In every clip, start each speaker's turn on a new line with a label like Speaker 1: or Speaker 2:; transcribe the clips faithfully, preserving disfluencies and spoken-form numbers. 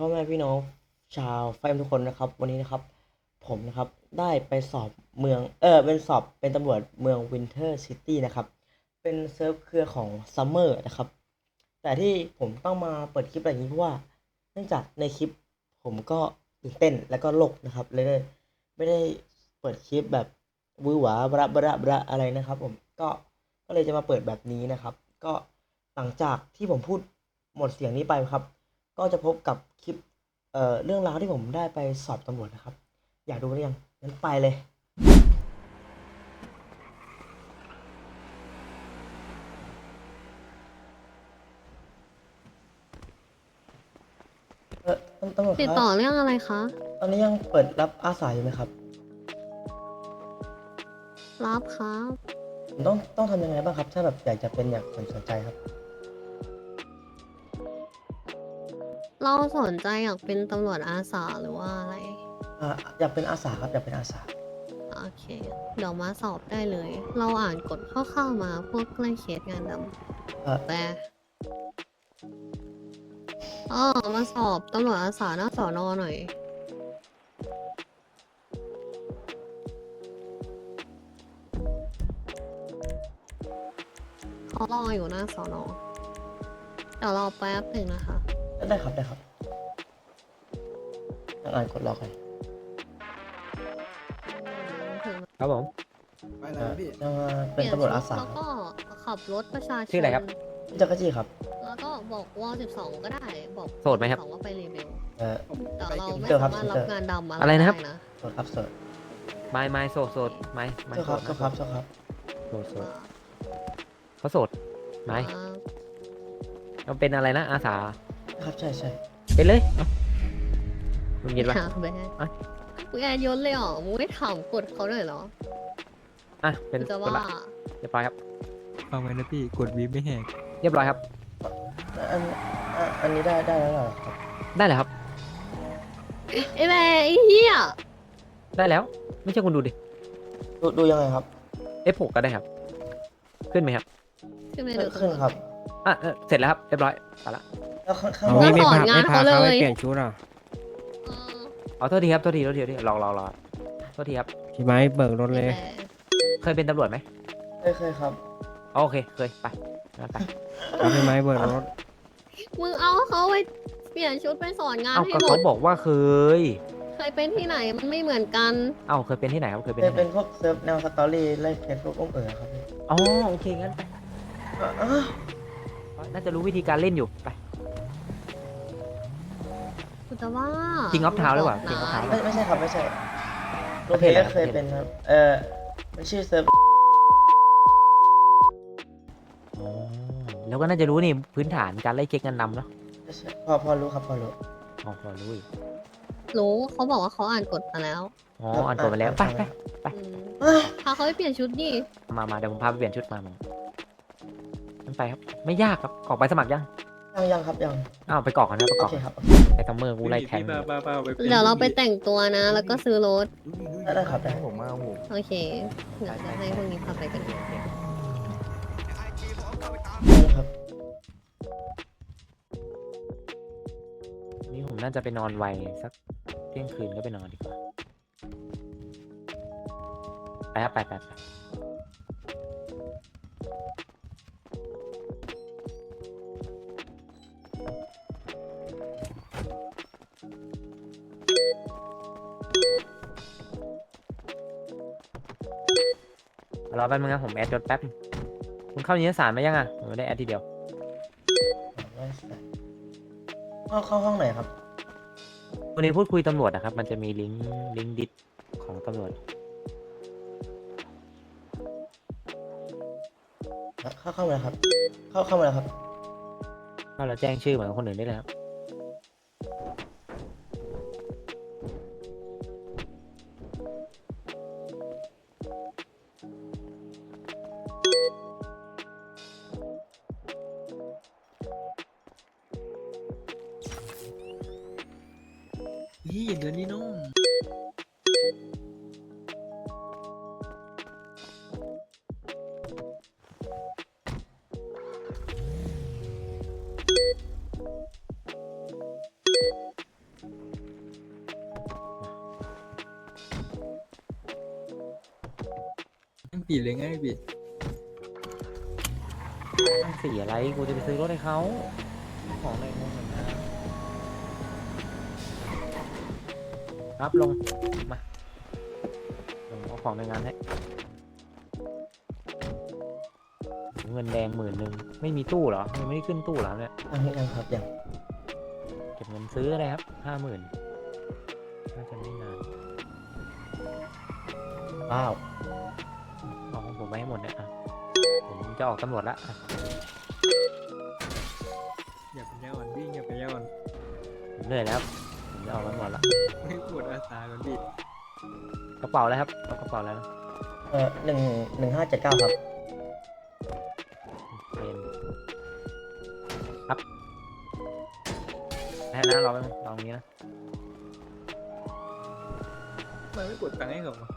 Speaker 1: พ่อแม่พี่น้องชาวไฟเอ็มทุกคนนะครับวันนี้นะครับผมนะครับได้ไปสอบเมืองเออเป็นสอบเป็นตำรวจเมืองวินเทอร์ซิตี้นะครับเป็นเซิร์ฟเครือของซัมเมอร์นะครับแต่ที่ผมต้องมาเปิดคลิปอะไรอย่างนี้เพราะว่าเนื่องจากในคลิปผมก็ตื่นเต้นแล้วก็โลกนะครับเลยได้ไม่ได้เปิดคลิปแบบวือหวาบระบระบระอะไรนะครับผมก็ก็เลยจะมาเปิดแบบนี้นะครับก็หลังจากที่ผมพูดหมดเสียงนี้ไปครับ ก็จะพบกับคลิปเอ่อเรื่องราวที่ผมได้ไปสอบตำรวจนะครับอยากดูหรือยังงั้นไปเลยเออตำตำรวจ
Speaker 2: ติ
Speaker 1: ครับ
Speaker 2: ดต่อเรื่องอะไรคะ
Speaker 1: ตอนนี้ยังเปิดรับอาสาอยู่ไหมครับ
Speaker 2: รับครับ
Speaker 1: ผมต้องต้องทำยังไงบ้างครับถ้าแบบอยากจะเป็นอยากสนสนใจครับ
Speaker 2: เราสนใจอยากเป็นตำรวจอาสาหรือว่าอะไร
Speaker 1: อ่าอยากเป็นอาสาครับอยากเป็นอาสา
Speaker 2: โอเค เดี๋ยวมาสอบได้เลย เราอ่านกฎคร่าวๆมาพวกใกล้เคสงานด
Speaker 1: เอ่อ
Speaker 2: ำแต่อ๋อมาสอบตำรวจอาสาหน้าสอนอหน่อย เขารออยู่หน้าสอนอเดี๋ยวรอแป๊บหนึ่งนะคะ
Speaker 1: ได้ครับได้ครับยังอ่านกดรอกัน
Speaker 2: ถึง
Speaker 3: ครับผม
Speaker 4: ไปไหน
Speaker 1: เอ่อ
Speaker 4: นะพี่
Speaker 1: จะมา
Speaker 2: เป
Speaker 1: เป็น
Speaker 2: ลี่ยน
Speaker 1: ตำรวจ
Speaker 2: ชุ
Speaker 1: อา
Speaker 2: ด
Speaker 1: สา
Speaker 2: แล้วก็ขับรถประชาช
Speaker 3: ชื่ออะไร
Speaker 2: น
Speaker 3: ครับ
Speaker 1: พี่จักรจี้ครับ
Speaker 2: แล้วก็บอกวอสิบสองก็ได้ บอก
Speaker 3: โสดไหมครับ
Speaker 2: สิสองว่าไปรีเบล
Speaker 1: เอ่อ
Speaker 4: ผม
Speaker 2: แต่
Speaker 4: ไป
Speaker 2: เรา
Speaker 4: เก็บ
Speaker 2: ไม่
Speaker 1: เจอครั
Speaker 2: สา
Speaker 1: บ
Speaker 2: มารถ
Speaker 1: เจ
Speaker 2: รับ
Speaker 1: อ
Speaker 2: งานดำอะไร
Speaker 3: อะไรนะครับ
Speaker 2: ได้นะ
Speaker 1: โสดครับโสด
Speaker 3: ไม่ไม่โสดโสดไม่ไม่
Speaker 1: โสดครับโสดครับโสดครับ
Speaker 3: โสดโสด
Speaker 2: ว่า
Speaker 3: เขาโสดไม่
Speaker 2: ว่า
Speaker 3: เราเป็นอะไรนะอาสา
Speaker 1: ครับใช่ใช่
Speaker 3: เป็นเลยเอ้าลุงเย็นปะ
Speaker 2: หาแบน
Speaker 3: อ่ะ
Speaker 2: กูแอนยศเลยเหรอมึงไม่ถามกดเขาเลยเหรอ
Speaker 3: อ่ะเป็น
Speaker 2: กูจะ
Speaker 3: กด
Speaker 2: ว่า
Speaker 3: ละเรียบร้อยครับ
Speaker 5: ฟังไว้นะพี่กดวีไม่แหก
Speaker 3: เรียบร้อยครับ
Speaker 1: อันอ่ะอันนี้ได้ได้แล้วเหรอครับ
Speaker 3: ได้เลยครับ
Speaker 2: ไอ้แม่ไอ้เหี้ย
Speaker 3: ได้แล้ว ไม่ใช่คุณดูดิ
Speaker 1: ดูดูยังไงครับ
Speaker 3: เอฟหกก็ได้ครับ ขึ้นไหมครับ
Speaker 2: ขึ้นไป
Speaker 1: ขึ้
Speaker 2: ดู
Speaker 1: นขึ้นครับ
Speaker 3: อ่ะเออเสร็จแล้วครับเรียบร้อยไปละ
Speaker 1: แล้วข้างข้าง
Speaker 5: เอา
Speaker 1: บ
Speaker 5: วี
Speaker 1: น
Speaker 5: ไม่
Speaker 2: สอน
Speaker 5: พาง
Speaker 2: าน
Speaker 5: ไม่พา
Speaker 2: เขาเลย
Speaker 5: เขาไปเปลี่ยนชุดอ่ะ
Speaker 2: เออ
Speaker 3: เอาโทษทีครับโทษทีโทษทีโทษทีรอรอรอโทษทีครับ
Speaker 5: พี่ไม้เบิกรถเลย
Speaker 2: ไอ้แม่
Speaker 3: เคยเป็นตำรวจไหม
Speaker 1: เคยเคยครับ
Speaker 3: อ๋อโอเคเคยไปงั้นไป
Speaker 5: เอาพี่ไม้เบิกรถ
Speaker 2: มึงเอาเขาไปเปลี่ยนชุดไปสอนงาน
Speaker 3: เอ้า
Speaker 2: ให้
Speaker 3: ก็
Speaker 2: หม
Speaker 3: เขา
Speaker 2: ด
Speaker 3: บอกว่าเคย
Speaker 2: เคยเป็นที่ไหนมันไม่เหมือนกัน
Speaker 3: เอ้าเคยเป็นที่ไหนครับเคยเป็น
Speaker 1: เคย
Speaker 3: ที่ไห
Speaker 1: เป็น นพวกเซิร์ฟแนวสตอรี่ไล่เคสพวกอุ้มเอ๋อครับพี่
Speaker 3: อ๋อโอเคงั้นไป
Speaker 1: อ่ะอ่ะ
Speaker 3: น่าจะรู้วิธีการเล่นอยู่ไป
Speaker 2: กูจะว่า
Speaker 3: King of Town หรือเปล่า
Speaker 2: มึง
Speaker 3: King of
Speaker 2: บ
Speaker 3: Town
Speaker 2: ก
Speaker 1: ไม่
Speaker 2: นะ
Speaker 1: ไม่ใช่ครับไม่ใช่โร
Speaker 3: ประ
Speaker 1: เพ
Speaker 3: เภทอะไร
Speaker 1: ก็เคยเป็นครับ เออมันชื่อเซิร์ฟ
Speaker 3: อ๋อแล้วก็น่าจะรู้นี่พื้นฐานการไล่เช็คเงินนำเนาะ
Speaker 1: ไม่ใช่พอพอรู้ครับพอรู้
Speaker 3: อ๋อพอรู้อีก
Speaker 2: รู้เขาบอกว่าเขาอ่านกฎมาแล้ว
Speaker 3: อ๋ออ่านกฎมาแล้วไปไป ไป
Speaker 2: อืม
Speaker 1: อ่ะ
Speaker 2: พาเขาไปเปลี่ยนชุดดิ
Speaker 3: มามาเดี๋ยวผมพาไปเปลี่ยนชุดมามานั่นไปครับไม่ยากครับกรอกใบสมัครยัง
Speaker 1: ยังยังครับยัง
Speaker 3: อ้าวไปกรอกกันนะไปกร
Speaker 1: โอ
Speaker 3: อก
Speaker 1: เค
Speaker 3: กัน
Speaker 1: ครับ
Speaker 3: ไอ้ซัมเมอร์กูไล่แทง
Speaker 5: ป้าป้าป้าไป
Speaker 2: เดี๋ยวเราไปแต่งตัวนะ แล้วก็ซื้อรถ
Speaker 1: ได้ได้ครับได้
Speaker 5: ผมมาผม
Speaker 2: โอเค เดี๋ยวจะให้พวกนี้พาไปกัน
Speaker 1: ได้ครับ
Speaker 3: นี่ผมน่าจะไปนอนไวสักเที่ยงคืนก็ไปนอนดีกว่าไปครับไปไปไปรอแป๊บนึงนะผมแอดยศแป๊บนึงคุณเข้านิตยสารมายังอ่ะผมไม่ได้แอดทีเดียว
Speaker 1: ได้เข้าเข้าห้องไหนครับ
Speaker 3: วันนี้พูดคุยตำรวจนะครับ มันจะมีลิงก์ลิงก์ดิสของตำรวจ
Speaker 1: เข้าเข้ามาแล้วครับ เข้าเข้ามาแล้วครับ
Speaker 3: ก็เราแจ้งชื่อเหมือนคนอื่นได้เลยครับ
Speaker 5: นี่เดี๋ยวนี้น้องสีเลยไงพี่
Speaker 3: สีอะไรกูจะไปซื้อรถให้เขาของในงงเหมือนกันครับลงมาลงเอาของในงานให้เงินแดงหมื่นหนึ่งไม่มีตู้เหรอยังไม่ได้ขึ้นตู้เหรอเนี่ย
Speaker 1: ยังยังครับยัง
Speaker 3: เก็บเงินซื้ออะไรครับห้าหมื่นน่าจะไม่นาน
Speaker 1: ว้าว
Speaker 3: เอาของผมไปให้หมดเนี่ยอ่ะผมจะออกตำรวจละอ่ะ
Speaker 5: อย่าเป็นยาอ่อนพี่อย่าเป็นยาอ่อน
Speaker 3: ผมเหนื่อยแล้วผมจะออกตำรวจละ
Speaker 5: ไม่ปวดอาสาก่อนพี่
Speaker 3: กระเป๋าอะไรครับเอากระเป๋าอะไรนะ
Speaker 1: เออหนึ่งหนึ่งห้าเจ็ดเก้าครับ
Speaker 3: เป็นครับให้นะรอไปบนึงรอตรงนี้นะ
Speaker 5: ทำไมันไม่กดตังค์ให้เขาวะ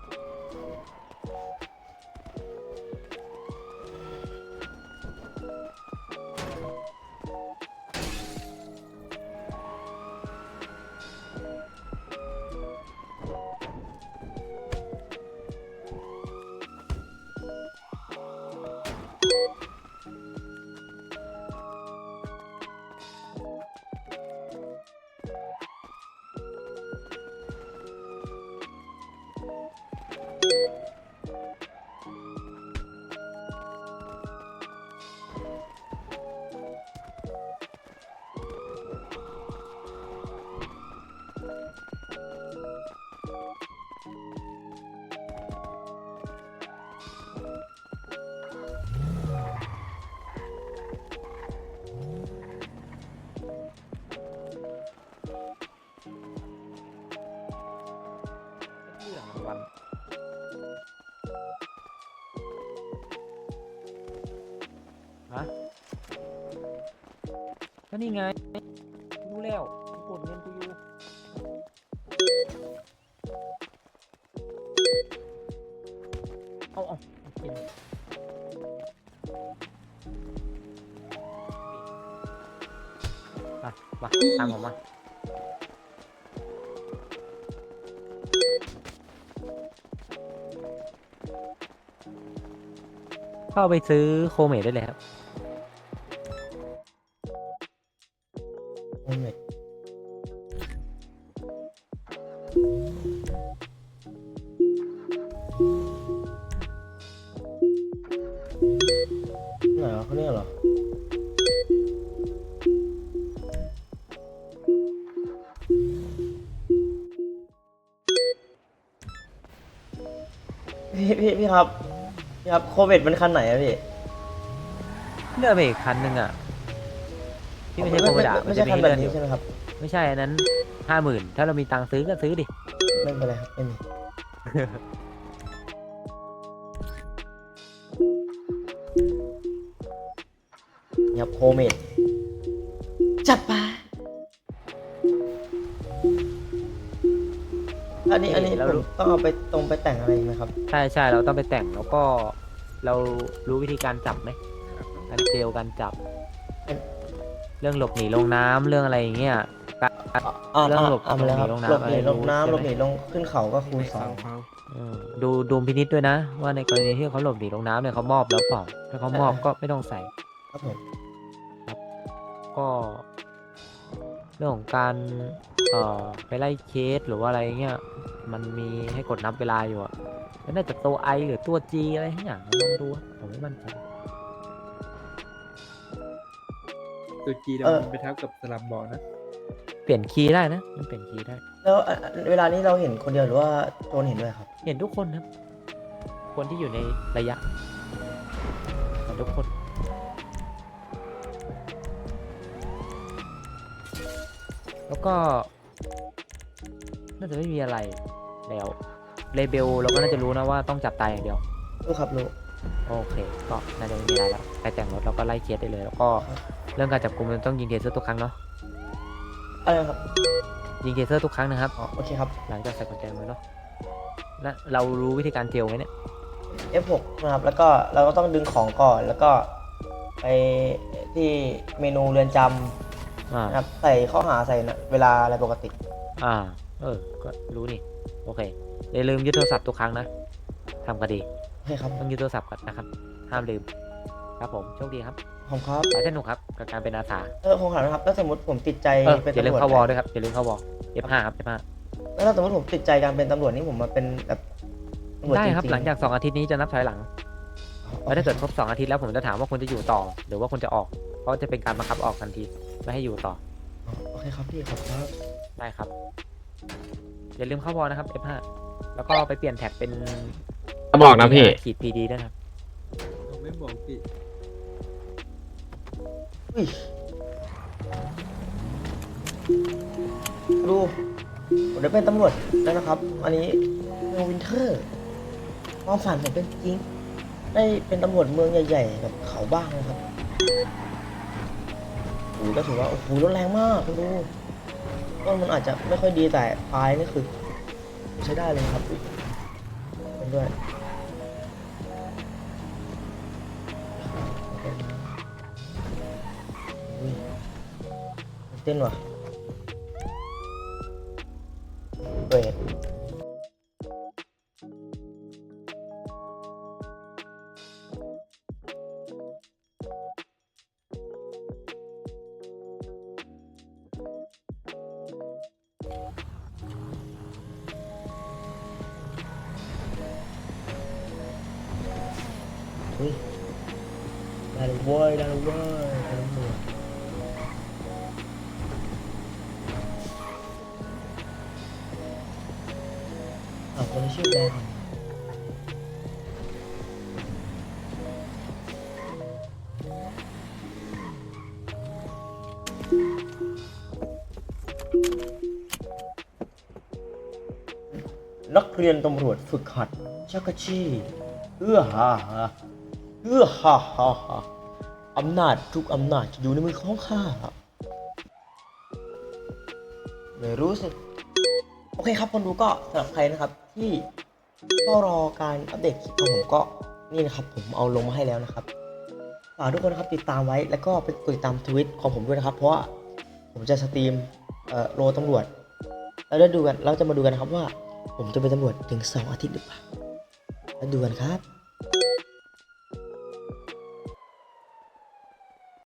Speaker 3: เรื่องรางวัลฮะก็นี่ไงรู้แล้วกดเงินกูอยู่เอาเอาเอากินมามาตามผมมาเข้าไปซื้อโคเมดได้เลยครับ
Speaker 1: โอ้เมดไหนวะเขาเนี่ยเหรอ พี่พี่พี่ครับพี่ครับโควิดมันคันไหนอะพี่
Speaker 3: เลือกไปอีกคันหนึ่งอ่ะที่ไม่ใช่โคเมดอะมั
Speaker 1: ไม่
Speaker 3: น
Speaker 1: ใช่
Speaker 3: จะมี
Speaker 1: คัน
Speaker 3: ให้
Speaker 1: แบบ
Speaker 3: เลือกอ
Speaker 1: นี้
Speaker 3: ยู่
Speaker 1: ใช่ไหมครับ
Speaker 3: ไม่ใช่อันนั้นห้าหมื่นถ้าเรามีตังค์ซื้อก็ซื้อดิ
Speaker 1: ไม่เป็นไรครับไม่มีนี่ครับโคเมดจัดไปอันนี้อันนี้เราต้องเอาไปตรงไปแต่งอะไรอีกไหมครับ
Speaker 3: ใช่ใช่เราต้องไปแต่งแล้วก็เรารู้วิธีการจับไหมการเจลการจับ เรื่องหลบหนีลงน้ำเรื่องอะไรอย่างเงี้ยการ
Speaker 1: อ่า
Speaker 3: เรื่องหลบ
Speaker 1: อ่ามาแล้วครับ
Speaker 3: หลบหนี
Speaker 1: หล
Speaker 3: ล
Speaker 1: บ
Speaker 3: ง
Speaker 1: หนี
Speaker 3: น้ำ
Speaker 1: ลงน้ำ
Speaker 3: อะไร
Speaker 1: หล
Speaker 3: รู้
Speaker 1: บห
Speaker 3: ใช่
Speaker 1: นี
Speaker 3: ไหม
Speaker 1: ลงขึ้นเขาก็คูณสอ
Speaker 5: ฟั
Speaker 1: ง
Speaker 5: งฟัง
Speaker 3: เออดูดูพินิจด้วยนะ ว่าในกรณีที่เขาหลบหนีลงน้ำเนี่ยเขามอบแล้วเปล่าถ้าเขามอบก็ไม่ต้องใส่
Speaker 1: ครับผม
Speaker 3: ก็ เรื่องของการเอ่อไปไล่เคสหรือว่าอะไรเงี้ยมันมีให้กดนับเวลาอยู่อะแล้วน่าจะตัวไอหรือตัวจีอะไรทั้งอย่างลองดูอะผมไม่มั่นใจ
Speaker 5: ตัวจีเรามันไปทับกับสลับบอลนะ
Speaker 3: เปลี่ยนคีย์ได้นะมันเปลี่ยนคีย์ได้
Speaker 1: แล้วอ่ะเวลานี้เราเห็นคนเดียวหรือว่าโจนเห็นด้วยครับ
Speaker 3: เห็นทุกคนครับ คนที่อยู่ในระยะเห็นทุกคน แล้วก็ น่าจะไม่มีอะไรแล้วเลเบลเราก็น่าจะรู้นะว่าต้องจับตายอย่างเดียว
Speaker 1: รู้ครับรู้
Speaker 3: โอเค ก็น่าจะไม่มีอะไรแล้วไปแต่งรถเราก็ไล่เคสได้เลย แล้วก็เรื่องการจับกุมมันต้องยิงเทเซอร์ทุกครั้งเนาะ
Speaker 1: อะไรครับ
Speaker 3: ยิงเทเซอร์ทุกครั้งนะครับ
Speaker 1: อ๋อโอเคครับ
Speaker 3: หลังจากใส่กุญแจมือเนาะและเรารู้วิธีการเจลไหมเนี่ย
Speaker 1: เอฟ หก นะครับ แล้วก็เราก็ต้องดึงของก่อน แล้วก็ไปที่เมนูเรือนจ
Speaker 3: อ่า
Speaker 1: ำนะครับ ใส่ข้อหาใส่เวลาอะไรปกติ
Speaker 3: อ่า เออ ก็รู้นี่ โอเค อย่าลืมยึดโทรศัพท์ทุกครั้งนะทำคดี
Speaker 1: โอเคครับ
Speaker 3: ต้องยึดโทรศัพท์ก่อนนะครับห้ามลืมครับผมโชคดีครับ
Speaker 1: ผมครับ
Speaker 3: ขอให้สนุกครับกับการเป็นอาสา
Speaker 1: เออผมถามนะครับถ้าสมมติผมติดใจ
Speaker 3: เออ
Speaker 1: เป็น
Speaker 3: อย่าลื
Speaker 1: ตำ
Speaker 3: ม
Speaker 1: รวจ
Speaker 3: เข้าวอลด้วยครับอย่าลืมเข้าวอล เอฟ ห้า ครับ เอฟ ห้า
Speaker 1: แล้วถ้าสมมติผมติดใจการเป็นตำรวจนี่ผมมาเป็นแบบตำรวจ
Speaker 3: ได้
Speaker 1: จริงๆ
Speaker 3: ครับหลังจากสองอาทิตย์นี้จะนับถอยหลัง
Speaker 1: โอ
Speaker 3: แล้ว
Speaker 1: เค
Speaker 3: ถ้าเกิดครบสองอาทิตย์แล้วผมจะถามว่าคุณจะอยู่ต่อ หรือว่าคุณจะออก เพราะจะเป็นการบังคับออกทันทีไม่ให้อยู่ต่อ
Speaker 1: โอเคครับพี่ขอบคุณครับ
Speaker 3: ได้ครับ อย่าลืมเข้าวอลนะครับ เอฟ ห้า แล้วก็ไปเปลี่ยนแท็กเป็น
Speaker 4: จะบอกนะพี่
Speaker 3: ขีด พี ดี ด้วยนะครับ
Speaker 5: เราไม่บอกพี่
Speaker 1: อุ้ยดูผมได้เป็นตำรวจแล้วนะครับ อันนี้เมืองวินเทอร์ความฝันผมเป็นจริง ได้เป็นตำรวจเมืองใหญ่ๆแบบเขาบ้างนะครับโอ้ยก็ถือว่าโอ้โหรถแรงมากคุณดูต้นมันอาจจะไม่ค่อยดีแต่ปลายนี่คือใช้ได้เลยครับอุ๊ยเป็นด้วยอุ้ยตื่นเต้นว่ะเบรดอุ้ยได้เลยเว้ยได้เลยเว้ยได้เลยเว้ยอ้าวคนนี้ชื่อแดงนักเรียนตำรวจฝึกหัดชักชีเอื้อฮ่าฮ่าเอื้อฮ่าฮ่าฮ่าอำนาจทุกอำนาจจะอยู่ในมือของข้าไม่รู้สิ โอเคครับคนดูก็สำหรับใครนะครับที่ก็รอการอัปเดตคลิปของผมก็นี่นะครับผมเอาลงมาให้แล้วนะครับฝากทุกคนนะครับติดตามไว้แล้วก็ไปกดติดตามทวิตของผมด้วยนะครับ เพราะว่าผมจะสตรีมเอ่อโลตำรวจแล้วได้ดูกันเราจะมาดูกันนะครับว่าผมจะเป็นตำรวจถึงสองอาทิตย์หรือเปล่าแล้วดูกันครับ